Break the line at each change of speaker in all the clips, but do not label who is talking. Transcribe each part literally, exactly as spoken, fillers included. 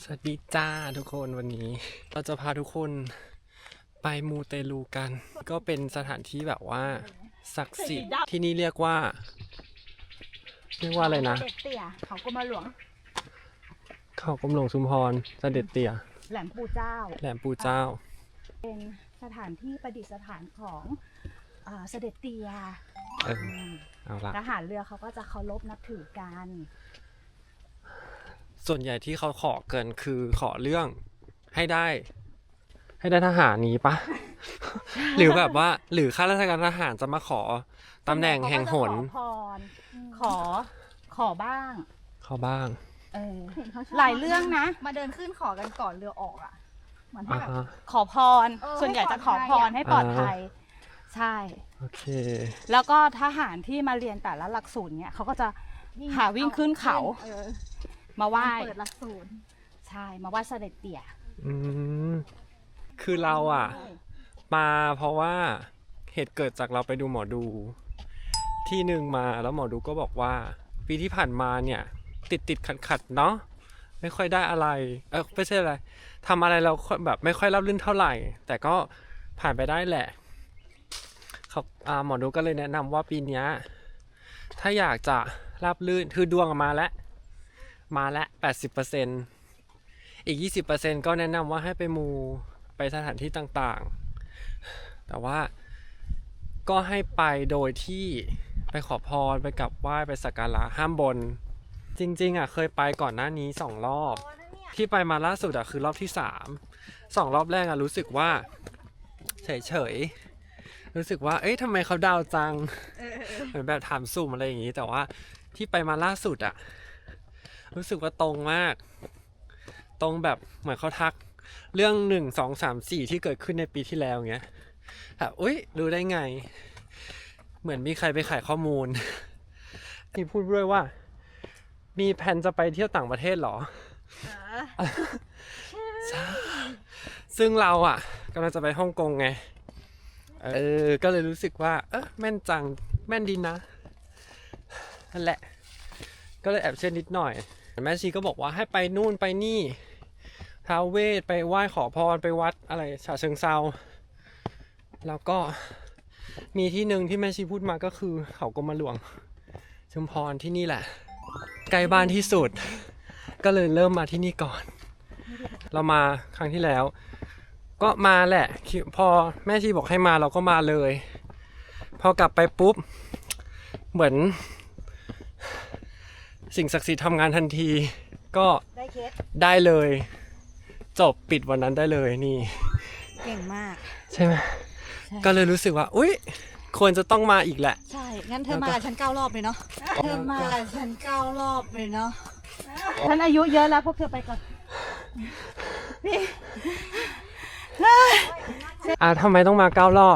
สวัสดีจ้าทุกคนวันนี้เราจะพาทุกคนไปมูเตลูกัน ก็เป็นสถานที่แบบว่าศักดิ์สิทธิ์ที่นี่เรียกว่าเรียกว่าอะไรนะ
เด็ดเตี่ยเขากรมหลวง
เขากรมหลวงชุมพรเสด็จเตี่ย
แหลมปู่เจ้า
แหลมปู่เจ้า
เป็นสถานที่ประดิษฐานของเอ่อเสด็จเตี่ย
เออเอาละ
ทหารเรือเขาก็จะเคารพนับถือกัน
ส่วนใหญ่ที่เขาขอเกินคือขอเรื่องให้ได้ ให้ได้ทหารนี้ปะ หรือแบบว่าหรือข้าราชการทหารจะมาขอตำแหน่งแห่งหน
ขอพรขอขอบ้าง
ขอบ้าง
เออหลายเรื่องนะมาเดินขึ้นขอกันก่อนเรือออกอ่ะเหมือนให้แบบขอพรส่วนใหญ่จะขอพรให้ปลอดภัยใช่
โอเค
แล้วก็ทหารที่มาเรียนแต่ละหลักสูตรเนี้ยเขาก็จะหาวิ่งขึ้นเขามาไหว้เปิดหลักสูตรใช่มาไหว้เสด็จเตี่ย
อืมคือเราอ่ะมาเพราะว่าเหตุเกิดจากเราไปดูหมอดูที่หนึ่งมาแล้วหมอดูก็บอกว่าปีที่ผ่านมาเนี่ยติดติดขัดขัดเนาะไม่ค่อยได้อะไรเออไม่ใช่อะไรทำอะไรเราแบบไม่ค่อยราบรื่นเท่าไหร่แต่ก็ผ่านไปได้แหละเขาอ่าหมอดูก็เลยแนะนำว่าปีนี้ถ้าอยากจะราบรื่นคือดวงมาแล้วมาแล้ว แปดสิบเปอร์เซ็นต์ อีก ยี่สิบเปอร์เซ็นต์ ก็แนะนำว่าให้ไปมูไปสถานที่ต่างๆแต่ว่าก็ให้ไปโดยที่ไปขอพรไปกราบไหว้ไปสักการะห้ามบนจริงๆอ่ะเคยไปก่อนหน้านี้สองรอบที่ไปมาล่าสุดอ่ะคือรอบที่สามสองรอบแรกอ่ะรู้สึกว่าเฉยๆรู้สึกว่าเอ๊ะทำไมเขาดาวจังเหมือนแบบถามสุ่มอะไรอย่างงี้แต่ว่าที่ไปมาล่าสุดอ่ะรู้สึกว่าตรงมากตรงแบบเหมือนเขาทักเรื่องหนึ่งสองสามสี่ที่เกิดขึ้นในปีที่แล้วเงี้ยแบบอุ๊ยรู้ได้ไงเหมือนมีใครไปขายข้อมูลมีพูดด้วยว่ามีแผนจะไปเที่ยวต่างประเทศหรอซึ่งเราอ่ะกำลังจะไปฮ่องกงไงเออก็เลยรู้สึกว่าเออแม่นจังแม่นดีนะนั่นแหละก็เลยแอบเชื่อนิดหน่อยแม่ชีก็บอกว่าให้ไปนู่นไปนี่ท้าวเวสไปไหว้ขอพรไปวัดอะไรฉะเชิงเซาแล้วก็มีที่หนึ่งที่แม่ชีพูดมาก็คือเขากรมหลวงชุมพรที่นี่แหละใกล้บ้านที่สุดก็เลยเริ่มมาที่นี่ก่อนเรามาครั้งที่แล้วก็มาแหละพอแม่ชีบอกให้มาเราก็มาเลยพอกลับไปปุ๊บเหมือนสิ่งศักดิ์สิทธิ์ทำงานทันทีก็ได้เคสได้เลยจบปิดวันนั้นได้เลยนี่
เก่งมาก
ใช่ไหมก็เลยรู้สึกว่าอุ๊ยควรจะต้องมาอีกแหละ
ใช่งั้นเธอมาฉันเก้ารอบเลยเนาะเธอมาฉันเก้ารอบเลยเนาะฉันอายุเยอะแล้วพวกเธอไปก่อนพี่
อ่าทำไมต้องมาเก้ารอ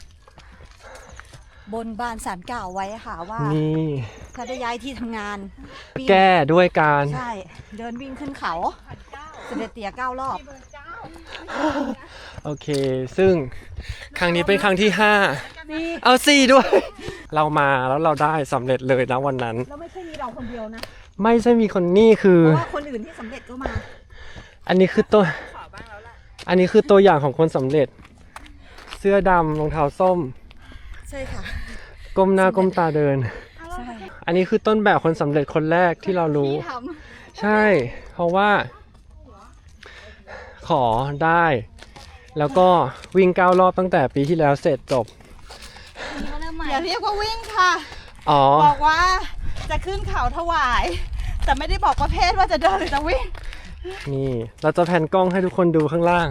บบ
นบานศาลกล่าวไว้ค่ะว่า
นี่
ถ้าได้ย้ายที่ทำงาน
แก้ด้วยการ
ใช่เดินวิ่งขึ้นเขาเสด็จเตี่ยเก้ารอบ
โอเคซึ่งครั้งนี้เป็นครั้งที่ห้าเอาสี่ด้วยเรามาแล้วเราได้สำเร็จเลยนะวันนั้น
แล้วไม่ใช่มีเราคนเดียวนะ
ไม่ใช่มีคนนี่คือ
เพราะว่าคนอื่นที่สำเร็จก็มา
อันนี้คือตัวอันนี้คือตัวอย่างของคนสำเร็จเสื้อดำรองเท้าส้ม
ใช่ค่ะ
ก้มหน้าก้มตาเดินอันนี้คือต้นแบบคนสำเร็จคนแรกที่เรารู้ใช่เพราะว่าขอได้แล้วก็วิ่งเก้ารอบตั้งแต่ปีที่แล้วเสร็จจบ
อย่าเรียกว่าวิ่งค่ะ
อ๋อ
บอกว่าจะขึ้นเขาถวายแต่ไม่ได้บอกประเภทว่าจะเดินหรือจะวิ่ง
นี่เราจะแผ่นกล้องให้ทุกคนดูข้างล่าง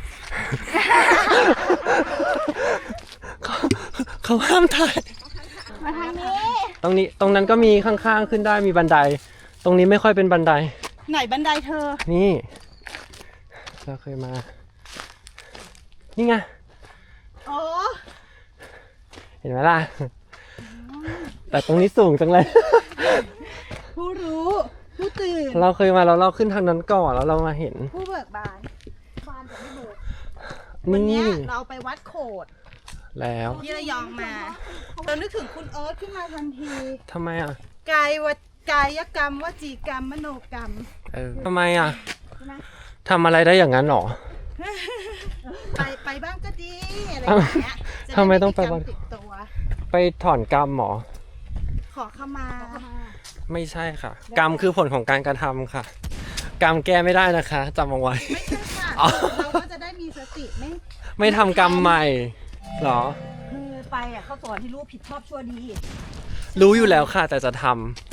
เขาเขาห้ามถ่าย
มาทางนี้
ตรงนี้ตรงนั้นก็มีข้างๆขึ้นได้มีบันไดตรงนี้ไม่ค่อยเป็นบันได
ไหนบันไดเธอ
นี่เราเคยมานี่ไง
อ๋อ
เห็นไหมล่ะแต่ตรงนี้สูงจังเลย
ผู้รู้ผู้ตื่น
เราเคยมาแล้วเราขึ้นทางนั้นก่อนแล้วเรามาเห็น
ผู้เบิกบานบานจะไม่เบิกวันนี้เราไปวัดโขด
แล้ว
ที่ระยองมาเรานึกถึงคุณเอิร์ธขึ้นมาทันที
ทำไมอ่ะ
กายวกายกรรมวจีกรรมมโนกรรม
เออทำไมอ่ะทำอะไรได้อย่างนั้นหรอ
ไปไปบ้างก็ดีอะไรอย่างเงี้ยจะด้
ทำไมต้องไปบ้าง
ติดตัว
ไปถอนกรรมหรอ
ขอเข้ามา
ไม่ใช่ค่ะ กรรมคือผลของการกระทำค่ะ กรรมแก้ไม่ได้นะคะจำเอาไว้
ไม่ใช่ค่ะ
อ๋อ
เราก็จะได้มีสติไม่
ไม่ทำกรรมใหม่หรอ
คือไปอ่ะเขาสอนให้รู้ผิดชอบชั่วดี
รู้อยู่แล้วค่ะ แต่จะทำ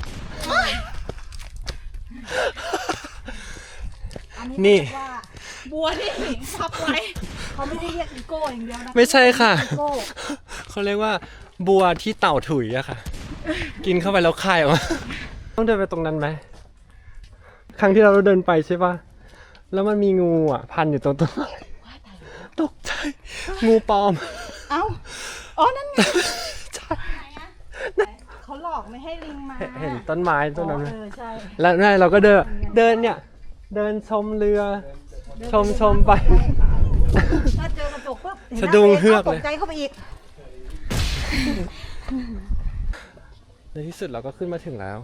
อัน
นี่
นี้เรียกว่าบัวที่หิงพับไว้เขาไม่ได้เรียกอีโก้อย่างเดียวนะ
ไม่ใช่ค่ะ
อีโก้
เขาเรียกว่า บัวที่เต่าถุยอะค่ะ กินเข้าไปแล้วคายออกมา ต้องเดินไปตรงนั้นไหม ครั้งที่เราเดินไปใช่ปะแล้วมันมีงูอ่ะ พันอยู่ตรงต้นไม้ตกใจ งูปลอม
เอ้าอ๋อนั่นไง
ใช่
เขาหลอกไม่ให้ลิงมา
เห็นต้นไม้ต้นนั้นไหม
เออใช่
แล้วนี่เราก็เดิน เดินเนี่ย เดินชมเรือ ชมชมไป
ถ้าเจอกระจกปุ๊บเห็นหน้า
สะดุ้งเฮือกเลย
ตกใจเข้าไปอีก
ในที่สุดเราก็ขึ้นมาถึงแล้ว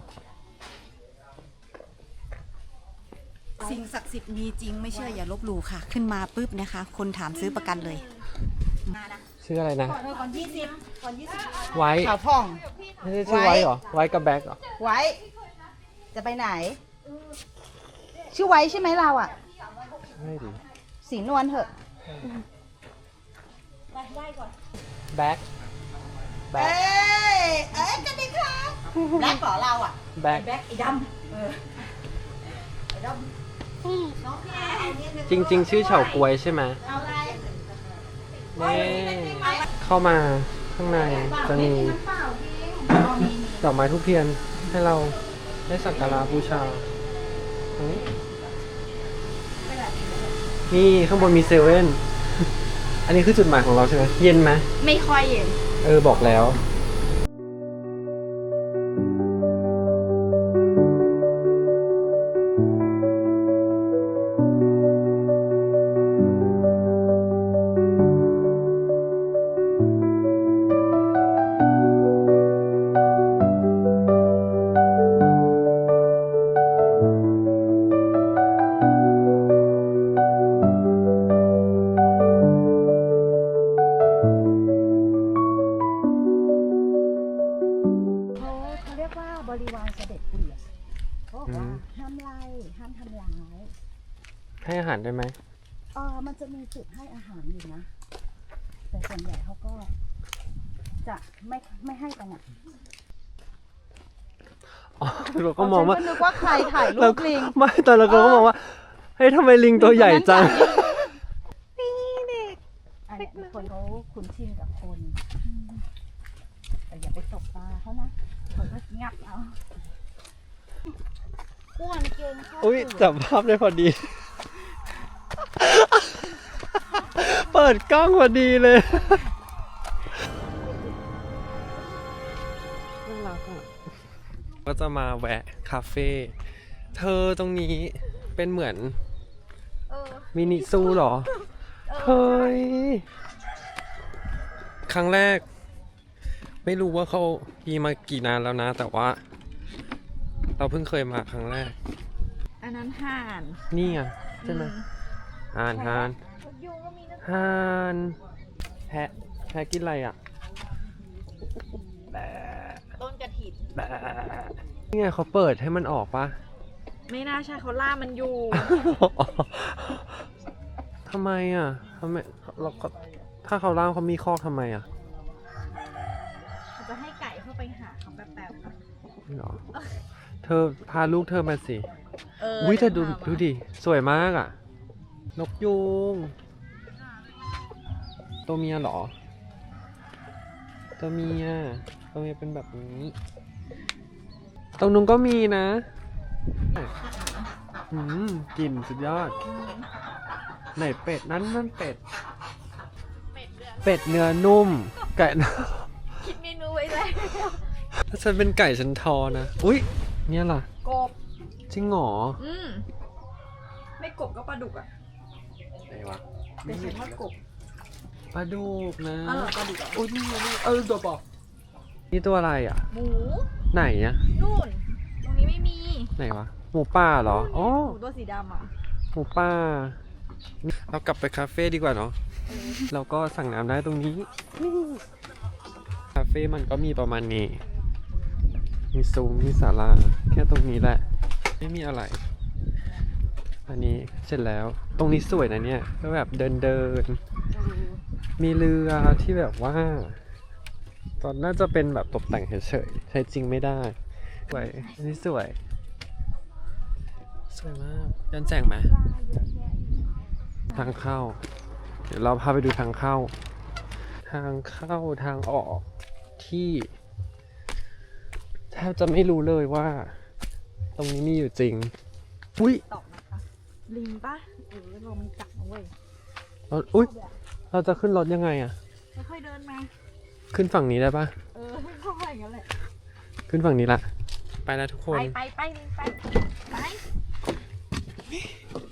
สิ่งศักดิ์สิทธิ์มีจริงไม่เชื่ออย่าลบหลู่ค่ะ ขึ้นมาปุ๊บนะคะ คนถามซื้อประกันเลยมานะ
ชื่ออะไรนะ
ก่อนก่อนยี่สิบก่อนยี่สิบ
ไว้
ข่าวพ่อง
ไม่ใช่ชื่อไว้เหรอ ไว้กับแบ็คเหรอ
ไว้ จะไปไหน ชื่อไว้ใช่ไหมเราอ่ะ
ไม่ดี
สีนวลเถอะ
แบ็คแบ็
เอ้
ค
ย เอ้ยจะดีค่ะแบล็คเหรอเราอ่ะ
แบ็ค
แบล็คไอ้ดำเออไอ้ดำน้องพี่เอาเนี่ยหนึ่
จริง ๆ ชื่อเฉาก๊วยใช่ไหม
เอาอะไร
นี่เข้ามาข้างในจะมี
น้ำเปล่าจริงอ๋อมีมี
ดอกไม้ทุกเทียนให้เราได้สักการะบูชาตรงนี้นี่ข้างบนมีเซเว่น อันนี้คือจุดหมายของเราใช่ไหมเย็นไหม
ไม่ค่อยเย็น
เออบอกแล้ว
เขาเขาเรียกว่าบริวารเสด็จเตี่ยเขาบอกว่า
อืม
ห้ามไล่ห้ามทำร้าย
ให้อาหารได้ไหม
เออมันจะมีจุดให้อาหารอยู่นะ แต่ส่วนใหญ่เขาก็ จะไม่ไม่ให้กันอ่ะ
อ๋อเราก็มองว่า
ฉันก็นึกว่าใครถ่ายรู
เรา
ป
ก็
ลิง
ไม่ตอนเราก็มองว่าเฮ้ยทำไมลิงตัวใหญ่จัง
นี่เด็กอันนี้คนเขาคุ้นชินกับคนแต่อย่าไปตบตาเขานะเขาก็งับเอาอ้วนเกินเข้า
อุ้ย
สู่
จับภาพได้พอดี เปิดกล้องพอดีเลยน่ารักอ่ะก็จะมาแวะคาเฟ่เธอตรงนี้เป็นเหมือน
เออ
มินิซูเหรอ เฮ้ย ครั้งแรก ไม่รู้ว่าเขามีมากี่นานแล้วนะ แต่ว่า เราเพิ่งเคยมาครั้งแรก
อันนั้นห่าน
นี่ไงใช่ไหมห่านห่าน
ยุงก็มีนะ
ห่านแพะแพะกินอะไรอ่ะแบะ
ต้นกระถิ่น
แบะนี่ไงเขาเปิดให้มันออกปะ
ไม่น่าใช่เขาล่ามันอยู่
ทำไมอ่ะทำไมเราก็ถ้าเขาล่ามเขามีคอกทำไมอ่ะ
เขาจะให้ไก่เข้าไปหาเขาแบบแบบ
นี่หรอ เธอพาลูกเธอมาสิ
เออ
อุ้ยเธอดู
ดี๋วพามา
ดูดิ สวยมากอ่ะ นกยูงตัวเมียเหรอ ตัวเมียตัวเมียเป็นแบบนี้ ตรงนู้นก็มีนะอืมกลิ่นสุดยอด ไหนเป็ดนั้นนั่นเป็ด เป็ดเนื้อนุ่ม ไก่
คิดเมนูไว้เลย
ถ้าฉันเป็นไก่ฉันทอนะ อุ้ยเนี่ยล่ะ
กบ
จริงเหรอ
อืมไม่กบก็ปลาดุกอ่ะ
ไหนวะ
แต่ฉันว่ากบ
ปลาดุกนะ
อ๋อเหรอปลาดุกเหรอ
โอ้ยนี่ไงนี่เออตัวปอนี่ตัวอะไรอ่ะ
หมู
ไหนอ่ะ
นู่น ตรงนี้ไม่มี
ไหนวะ หมูป่าเหรอ อ๋อ
หมูตัวสีดำอ่ะ
หมูป่าเรากลับไปคาเฟ่ดีกว่าเนาะเราก็สั่งน้ำได้ตรงนี้ คาเฟ่มันก็มีประมาณนี้ มีซุ้มมีศาลาแค่ตรงนี้แหละ ไม่มีอะไร อันนี้เสร็จแล้ว ตรงนี้สวยนะเนี่ย ก็แบบเดินเดิน มีเรือที่แบบว่า ตอนน่าจะเป็นแบบตกแต่งเฉยๆ ใช้จริงไม่ได้ สวย อันนี้สวย สวยมากย้อนแสงไหม ทางเข้า เดี๋ยวเราพาไปดูทางเข้า ทางเข้าทางออกที่แทบจะไม่รู้เลยว่า ตรงนี้มีอยู่จริง อุ้ย
ตอกนะคะลิงปะเออลมมันจับนะเว้ย
เราอุ้ย เราจะขึ้นรถยังไงอะ
ค่อยๆเดินมา
ขึ้นฝั่งนี้ได้ปะ
เออค่อยๆอย่างนั้นแหละ
ขึ้นฝั่งนี้ละ ไปแล้วทุกค
ไป
น
ไปไปลิงไปไป